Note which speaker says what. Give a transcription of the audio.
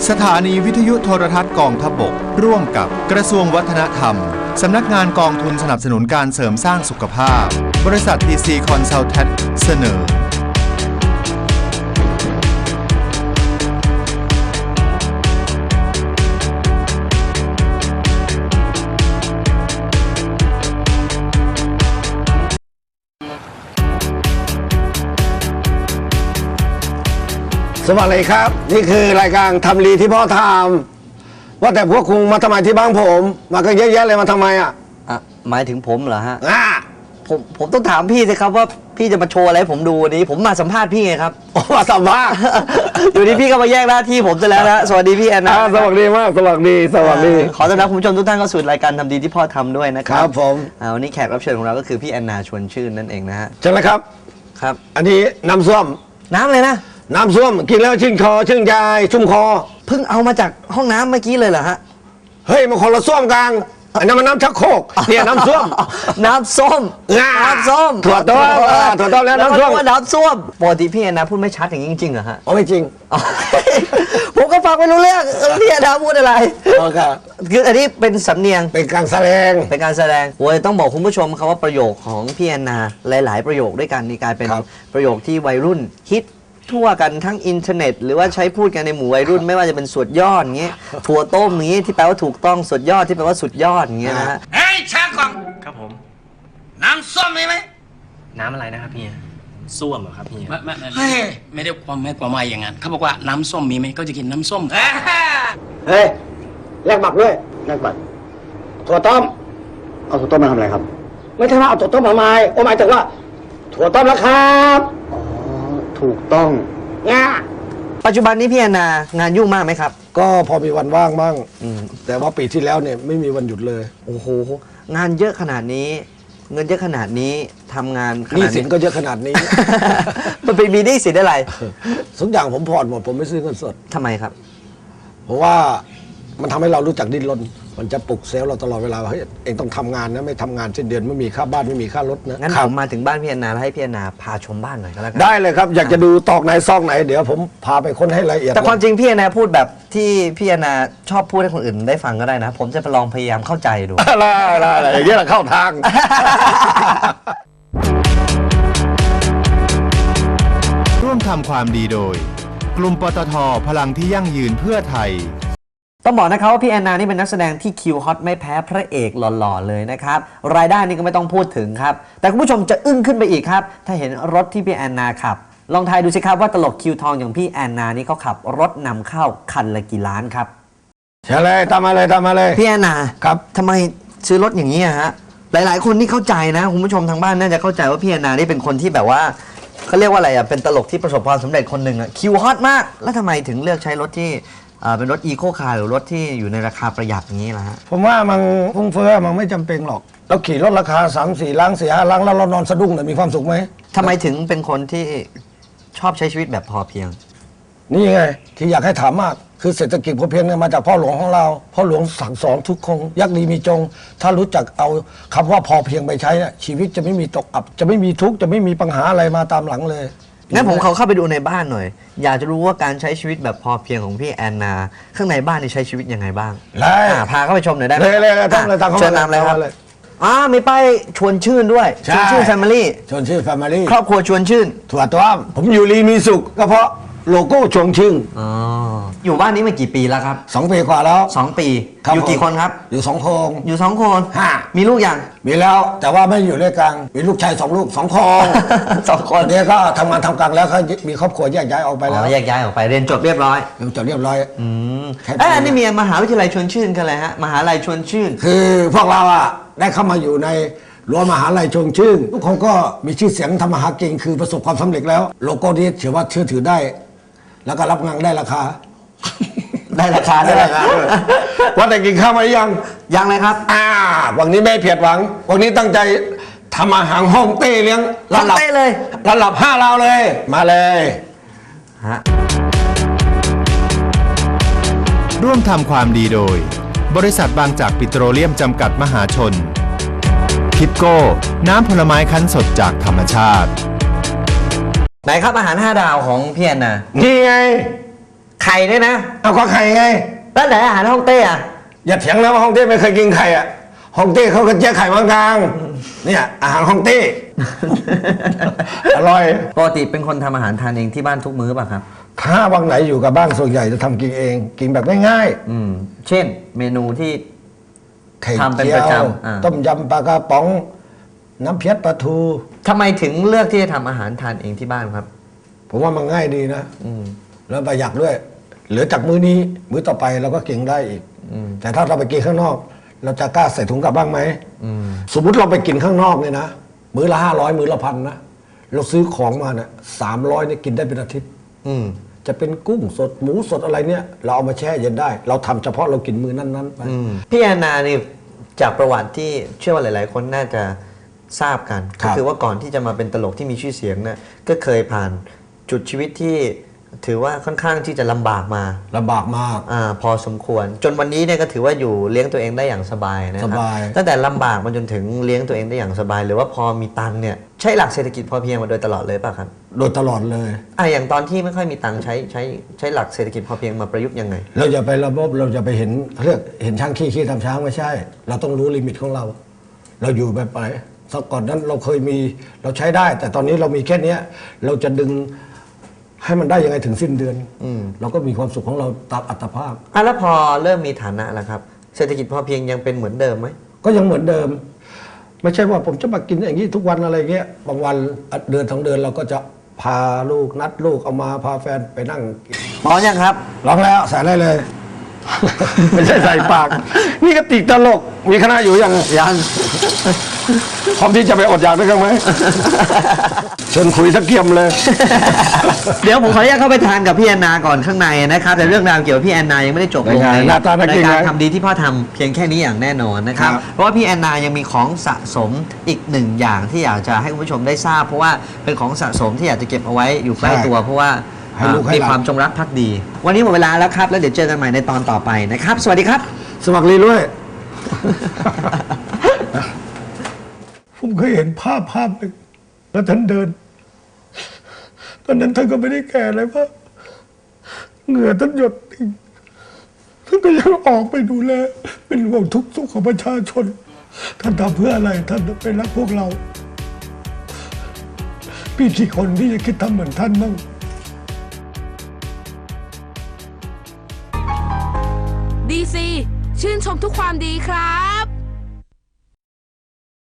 Speaker 1: สถานีวิทยุโทรทัศน์กองทัพบกร่วมกับกระทรวงวัฒนธรรมสำนักงานกองทุนสนับสนุนการเสริมสร้างสุขภาพบริษัท TC Consultant เสนอ
Speaker 2: สวัสดีครับนี่คือรายการทำรีที่พ่อทำว่าแต่พวกคุณมาทำไมที่บ้านผมมากันเยอะแยะเลยมาทำไมอ่ะ
Speaker 3: หมายถึงผมเหรอฮะผมต้องถามพี่สิครับว่าพี่จะมาโชว์อะไรผมดูวันนี้ผมมาสัมภาษณ์พี่ไงครับ
Speaker 2: มาสัมภาษณ์
Speaker 3: อยู่ดีพี่ก็มาแยกหน้าที่ผมซะแล้วนะสวัสดีพี่แอนนา
Speaker 2: สวัสดีมากสวัสดี
Speaker 3: ขอต้อนรับคุณผู้ชมทุกท่านเข้าสู่รายการทำดีที่พ่อทำด้วยนะครั
Speaker 2: ครับผม
Speaker 3: วันนี้แขกรับเชิญของเราก็คือพี่แอนนาชวนชื่นนั่นเองนะฮะ
Speaker 2: ใช่ไหมครับ
Speaker 3: ครับ
Speaker 2: อันนี้น้ำส้ม
Speaker 3: น้ำเลยนะ
Speaker 2: น้ำส้มกินแล้วชื่นคอชื่นใจชุ่มคอ
Speaker 3: เพิ่งเอามาจากห้องน้ำเมื่อกี้เลยเหรอฮะ
Speaker 2: เฮ้ยมันคนละส้วมกลางอันนั้นมันน้ำชักโครกเนี่ยน้ำส้ม
Speaker 3: น้ำส้ม
Speaker 2: ถั่วต้มแล้วน้ำส้ม
Speaker 3: น้ำส้มปกติพี่แอนนาพูดไม่ชัดอย่างนี้จริงๆเหรอฮะ
Speaker 2: ไม่จริง
Speaker 3: ผมก็ฟังไม่รู้เรื่องพี่แอนนาพูดอะไรคืออันนี้เป็นสำเนียง
Speaker 2: เป็นการแสดง
Speaker 3: โอ้ยต้องบอกคุณผู้ชมครับว่าประโยคของพี่แอนนาหลายๆประโยคด้วยกันนี่กลายเป็นประโยคที่วัยรุ่นฮิตทั่วกันทั้งอินเทอร์เน็ตหรือว่าใช้พูดกันในหมู่วัยรุ่นไม่ว่าจะเป็นสุดยอดอย่างเงี้ยถั่วต้มอย่างงี้ที่แปลว่าถูกต้องสุดยอดที่แปลว่าสุดยอดอย่างเงี้ยนะฮะ
Speaker 4: เฮ้ยชากล่อง
Speaker 5: ครับผม
Speaker 4: น้ำส้มมีไหม
Speaker 5: น้ำอะไรนะครับพี่ส้วมเหรอครับพี่
Speaker 4: ไม่ได้ความหมายอย่างนั้นเขาบอกว่าน้ำส้มมีไหมก็จะกินน้ำส้ม
Speaker 2: เฮ้ยแลกบัตรด้วยแลกบัตรถั่วต้มเอาถั่วต้มมาทำอะไรครับไม่ใช่ว่าเอาถั่วต้มมาหมายถึงว่าถั่วต้มแล้วครับถูกต้อง
Speaker 3: ปัจจุบันนี้พี่แอนนางานยุ่งมากไหมครับ
Speaker 2: ก็พอมีวันว่างบ้างแต่ว่าปีที่แล้วเนี่ยไม่มีวันหยุดเลย
Speaker 3: โอ้โหงานเยอะขนาดนี้เงินเยอะขนาดนี้ทำงาน
Speaker 2: หนี้สินก็เยอะขนาดนี้
Speaker 3: มันเป็นมีหนี้สินอะไร
Speaker 2: ทุกอย่างผมผ่อนหมดผมไม่ซื้อเงินสด
Speaker 3: ทำไมครับ
Speaker 2: เพราะว่ามันทำให้เรารู้จักดิ้นรนมันจะปลุกเซลล์เราตลอดเวลาว่าเฮ้ยเองต้องทำงานนะไม่ทำงานสิ้นเดือนไม่มีค่าบ้านไม่มีค่ารถนะ
Speaker 3: งั้นผมมาถึงบ้านพี่แอนนาแล้วให้พี่แอนนาพาชมบ้านหน่อยก็แล้วกัน
Speaker 2: ได้เลยครับอยากจะดูตอกไหนซอกไหนเดี๋ยวผมพาไปค้นให้ละเอียด
Speaker 3: แต่ความจริงพี่แอนนาพูดแบบที่พี่แอนนาชอบพูดให้คนอื่นได้ฟังก็ได้นะผมจะไปลองพยายามเข้าใจดู
Speaker 2: อะไรอย่างนี้แหละเข้าทาง
Speaker 1: ร่วมทำความดีโดยกลุ่มปตท.พลังที่ยั่งยืนเพื่อไทย
Speaker 3: ต้องบอกนะครับว่าพี่แอนนานี่เป็นนักแสดงที่คิวฮอตไม่แพ้พระเอกหล่อๆเลยนะครับรายได้นี่ก็ไม่ต้องพูดถึงครับแต่คุณผู้ชมจะอึ้งขึ้นไปอีกครับถ้าเห็นรถที่พี่แอนนาขับลองทายดูสิครับว่าตลกคิวทองอย่างพี่แอนนานี่เขาขับรถนำเข้าคันละกี่ล้านครับ
Speaker 2: ใช่เลยตามมาเลย
Speaker 3: พี่แอนนา
Speaker 2: ครับ
Speaker 3: ทำไมซื้อรถอย่างนี้ฮะหลายๆคนนี่เข้าใจนะคุณผู้ชมทางบ้านน่าจะเข้าใจว่าพี่แอนนานี่เป็นคนที่แบบว่าเขาเรียกว่าอะไรเป็นตลกที่ประสบความสำเร็จคนหนึ่งคิวฮอตมากแล้วทำไมถึงเลือกใช้รถที่เป็นรถอีโคคาร์หรือรถที่อยู่ในราคาประหยัดอย่างนี้ล่ะฮะ
Speaker 2: ผมว่ามันฟุ้งเฟ้อมันไม่จำเป็นหรอกเราขี่รถราคา3-4 ล้าน4-5 ล้านแล้วเรานอนสะดุ้งเนี่ยมีความสุขไหม
Speaker 3: ทำไมถึงเป็นคนที่ชอบใช้ชีวิตแบบพอเพียง
Speaker 2: นี่ไงที่อยากให้ถามมากคือเศรษฐกิจพอเพียงเนี่ยมาจากพ่อหลวงของเราพ่อหลวงสั่งสอนทุกคนยักษ์ดีมีจงถ้ารู้จักเอาคำว่าพอเพียงไปใช้เนี่ยชีวิตจะไม่มีตกอับจะไม่มีทุกข์จะไม่มีปัญหาอะไรมาตามหลังเลย
Speaker 3: งั้นผมเข้าไปดูในบ้านหน่อยอยากจะรู้ว่าการใช้ชีวิตแบบพอเพียงของพี่แอนนาข้างในบ้านนี่ใช้ชีวิตยังไงบ้างพาเข้าไปชมหน่อยได้ไหม
Speaker 2: เลย
Speaker 3: เชิญนำเลยครับมีป้ายชวนชื่นด้วยชวนชื่นแฟมิลี่ครอบครัวชวนชื่น
Speaker 2: ถั่วต้มผมอยู่รีมีสุขก็เพราะโลโก้ชวนชื่น
Speaker 3: อยู่บ้านนี้มากี่ปีแล้วครับ
Speaker 2: 2 ปีกว่าแล้ว
Speaker 3: 2 ปีอยู่กี่คนครับ
Speaker 2: อยู่2 คน
Speaker 3: อยู่2 คนมีลูกยัง
Speaker 2: มีแล้วแต่ว่าไม่อยู่ด้วยกันมีลูกชาย2 ลูก2 คน
Speaker 3: 2 คน
Speaker 2: เนี่ยก็ทำงานทำการแล้วเขามีครอบครัวแยกย้ายออกไปแล้ว
Speaker 3: แยกย้ายออกไปเรียนจบเรียบร้อยอันนี้มีมหาวิทยาลัยชวนชื่นกันเลยฮะมหาลัยชวนชื่น
Speaker 2: คือพวกเราได้เข้ามาอยู่ในรั้วมหาลัยชวนชื่นทุกคนก็มีชื่อเสียงทำมาหากินคือประสบความสำเร็จแล้วโลโก้นี้ถือว่าเชื่อถือได้แล้วก็รับงานได้ราคาว่าแต่กินข้าวมา
Speaker 3: ยังเลยครับ
Speaker 2: วันนี้ไม่เพียดหวังวันนี้ตั้งใจทำอาหารห้องเต้เลี้ยง
Speaker 3: ระดับเลย
Speaker 2: ระดับ5 ดาวเลยมาเลย
Speaker 1: ร่วมทำความดีโดยบริษัทบางจากปิโตรเลียมจำกัดมหาชนทิปโก้น้ำผลไม้คั้นสดจากธรรมชาติ
Speaker 3: ไหนครับอาหาร5 ดาวของพี่แอนนา
Speaker 2: นี่ไง
Speaker 3: ไข่เนี่ยนะ
Speaker 2: เอาก็ไข่ไง
Speaker 3: แล้วไหนอาหารฮ่องเต้อะ
Speaker 2: อย่าเถียงนะว่าฮ่องเต้ไม่เคยกินไข่อะฮ่องเต้เขาก็เจ๊ไข่บางกลางเนี่ยอาหารฮ่องเต้ อร่อย
Speaker 3: ปกติเป็นคนทำอาหารทานเองที่บ้านทุกมื้อป่ะครับ
Speaker 2: ถ้าวันไหนอยู่กับบ้านส่วนใหญ่จะทำกินเองกินแบบง่าย
Speaker 3: เช่นเมนูที่
Speaker 2: ๆไข่
Speaker 3: ทำเป็น
Speaker 2: เจี
Speaker 3: ประ
Speaker 2: ยว
Speaker 3: จำ
Speaker 2: ต้มยำปลากระป๋อง น้ำเพี้ยปลาทู
Speaker 3: ทำไมถึงเลือกที่จะทำอาหารทานเองที่บ้านครับ
Speaker 2: ผมว่ามันง่ายดีนะแล้วประหยัดด้วย เหลือจากมื้อนี้มื้อต่อไปเราก็กินได้อีกแต่ถ้าเราไปกินข้างนอก เราจะกล้าใส่ถุงกลับบ้างไหมสมมุติเราไปกินข้างนอกเนี่ยนะมื้อละ500มื้อละ1,000นะเราซื้อของมาเนี่ย300เนี่ยกินได้เป็นอาทิตย์จะเป็นกุ้งสดหมูสดอะไรเนี่ยเราเอามาแช่เย็นได้ เราทำเฉพาะเรากินมื้อนั้นๆไป
Speaker 3: พี่แอนนานี่จากประวัติที่เชื่อว่าหลาย ๆ คนน่าจะทราบกัน
Speaker 2: ครั
Speaker 3: ก็
Speaker 2: บ
Speaker 3: คือว่าก่อนที่จะมาเป็นตลกที่มีชื่อเสียงเนี่ยก็เคยผ่านจุดชีวิตที่ถือว่าค่อนข้างที่จะลำบากมา
Speaker 2: ลำบากมาก
Speaker 3: พอสมควร จนวันนี้เนี่ยก็ถือว่าอยู่เลี้ยงตัวเองได้อย่างสบายนะครั
Speaker 2: สบาย
Speaker 3: ตั้งแต่ลำบากมาจนถึงเลี้ยงตัวเองได้อย่างสบาย หรือว่าพอมีตังค์เนี่ยใช้หลักเศรษฐกิจพอเพียงมาโดยตลอดเลยป่ะครับ
Speaker 2: โดยตลอดเลย
Speaker 3: อย่างตอนที่ไม่ค่อยมีตังค์ใช้หลักเศรษฐกิจพอเพียงมาประยุกต์ยังไง
Speaker 2: เราอย่าไประบบเราจะไปเห็นเรียกเห็นช้างขี้ทำช้างไม่ใช่ เราต้องรู้ลิมิตของเรา เราอยู่แบบไหนสักก่อนนั้นเราเคยมีเราใช้ได้ แต่ตอนนี้เรามีแค่เนี้ยเราจะดึงให้มันได้ยังไงถึงสิ้นเดือนเราก็มีความสุขของเราตามอัตภาพ
Speaker 3: แล้วพอเริ่มมีฐานะแล้วครับเศรษฐกิจพอเพียงยังเป็นเหมือนเดิมไหม
Speaker 2: ก็ยังเหมือนเดิม ไม่ใช่ว่าผมจะมากินอย่างนี้ทุกวันอะไรเงี้ยบางวันเดือน2 เดือนเราก็จะพาลูกนัดลูกเอามาพาแฟนไปนั่งกิน
Speaker 3: พร้อมยังครับ
Speaker 2: ร้องแล้วใส่ได้เลย ไม่ใช่ใส่ปาก นี่ก็ติดตลกมีคณะอยู่ยัง
Speaker 3: ยัง
Speaker 2: พร้อมที่จะไปอดอยากด้วยกันไหม เชิญคุยสักเกียมเลย
Speaker 3: เดี๋ยวผมขออนุญาตเข้าไปทานกับพี่แอนนาก่อนข้างในนะครับแต่เรื่องราวเกี่ยวกับพี่แอนนายังไม่ได้จบลง
Speaker 2: เป็นไง
Speaker 3: ใน
Speaker 2: หน้าตาน่ากินไหม
Speaker 3: การทำดีที่พ่อทำเพียงแค่นี้อย่างแน่นอนนะครับ
Speaker 2: ครับ
Speaker 3: เพราะว่าพี่แอนนายังมีของสะสมอีกหนึ่งอย่างที่อยากจะให้คุณผู้ชมได้ทราบ เพราะว่าเป็นของสะสมที่อยากจะเก็บเอาไว้อยู่ใกล้ตัว เพราะว่า
Speaker 2: ให้ลูกให้
Speaker 3: มี
Speaker 2: หลาน
Speaker 3: ความจงรักภักดี วันนี้หมดเวลาแล้วครับแล้วเดี๋ยวเจอกันใหม่ในตอนต่อไปนะครับ สวัสดีครับ
Speaker 2: สมัครรีด้วย ผมเคยเห็นภาพหนึ่งแล้วท่านเดิน ตอนนั้นท่านก็ไม่ได้แก่อะไรมากเหงื่อท่านหยดติ่งท่านก็ยังออกไปดูแลเป็นห่วงทุกสุขของประชาชน ท่านทำเพื่ออะไร ท่านเป็นรักพวกเรา พี่กี่คนที่จะคิดทำเหมือนท่านบ้าง
Speaker 6: ดีซีชื่นชมทุกความดีครับ